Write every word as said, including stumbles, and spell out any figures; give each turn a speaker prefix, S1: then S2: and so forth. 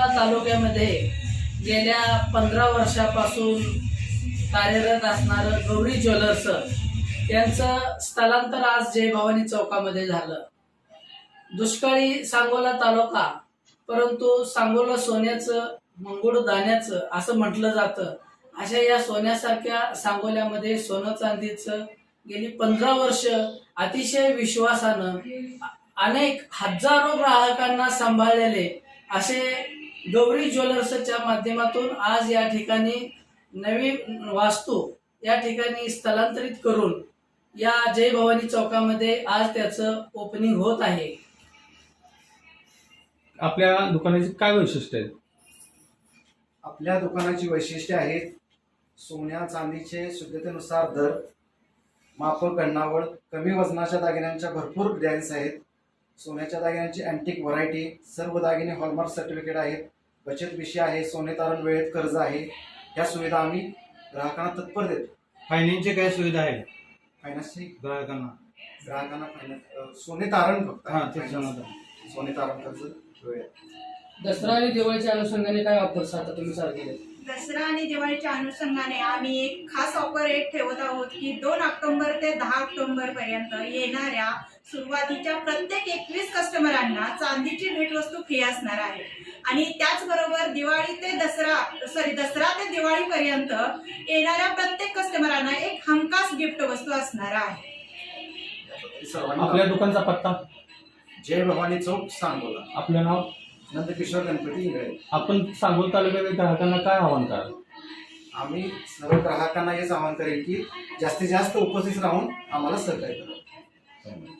S1: तालुक्यामध्ये गेल्या पंधरा वर्षापासून कार्यरत असणारं गौरी ज्वेलर्स यांचं स्थलांतर आज जय भवानी चौकामध्ये झालं। दुष्काळी सांगोला तालुका, परंतु सांगोला सोन्याचं मंगुळ दाण्याचं असं म्हटलं जातं। अशा या सोन्यासारख्या सांगोल्यामध्ये सोनं चांदीचं गेली पंधरा वर्ष अतिशय विश्वासानं अनेक हजारो ग्राहकांना सांभाळलेले असे गौरी ज्वेलर्सच्या माध्यमातून आज या ठिकाणी नवीन वास्तू या ठिकाणी स्थलांतरित करून या जय भवानी चौकामध्ये आज त्याचं ओपनिंग होत आहे।
S2: आपल्या दुकानाची काय वैशिष्ट्य आहेत?
S3: आपल्या दुकानाची वैशिष्ट्ये आहेत सोन्या चांदीचे शुद्धतेनुसार दर, माफक गणनावळ, कमी वजनाच्या दागिन्यांच्या भरपूर डिझाईन्स आहेत। सोन्याच्या दागिन्यांची अँटिक व्हरायटी, सर्व दागिने हॉलमार्क सर्टिफिकेट आहेत, बचत विषय आहे, सोने तारण वेळेत कर्ज आहे। या सुविधा आम्ही ग्राहकांना तत्पर देतो।
S2: फायनान्सची काय सुविधा आहे
S3: फायनान्सची
S2: ग्राहकांना?
S3: ग्राहकांना फायनान्स सोने तारण फक्त
S2: हा, ते समजलं.
S3: सोने तारण कर्ज वेळेत।
S1: दसरा आणि दिवाळीच्या अनुषंगाने काय ऑफर्स आता तुम्ही चालू केले?
S4: दसरा आणि दिवाळीच्या अनुषंगाने आम्ही एक खास ऑफर एक ठेवत आहोत की दोन ऑक्टोबर ते दहा ऑक्टोबर पर्यंत येणाऱ्या सुरुवातीच्या प्रत्येक एकवीस कस्टमरांना चांदीची भेटवस्तू फ्री असणार आहे। आणि त्याचबरोबर दिवाळी ते दसरा सॉरी दसरा ते दिवाळीपर्यंत येणाऱ्या प्रत्येक कस्टमरांना एक हमखास गिफ्ट वस्तू असणार आहे।
S2: आपल्या दुकानचा पत्ता?
S3: जय भवानी चौक, सांगोला।
S2: आपलं नाव?
S3: नंदकिशोर गणपती इंगळे।
S2: आपण सांगोला तालुक्यातील ग्राहकांना काय आव्हान कराल?
S3: आम्ही सर्व ग्राहकांना हेच आवाहन करेल की जास्तीत जास्त उपस्थित राहून आम्हाला सहकार्य करा।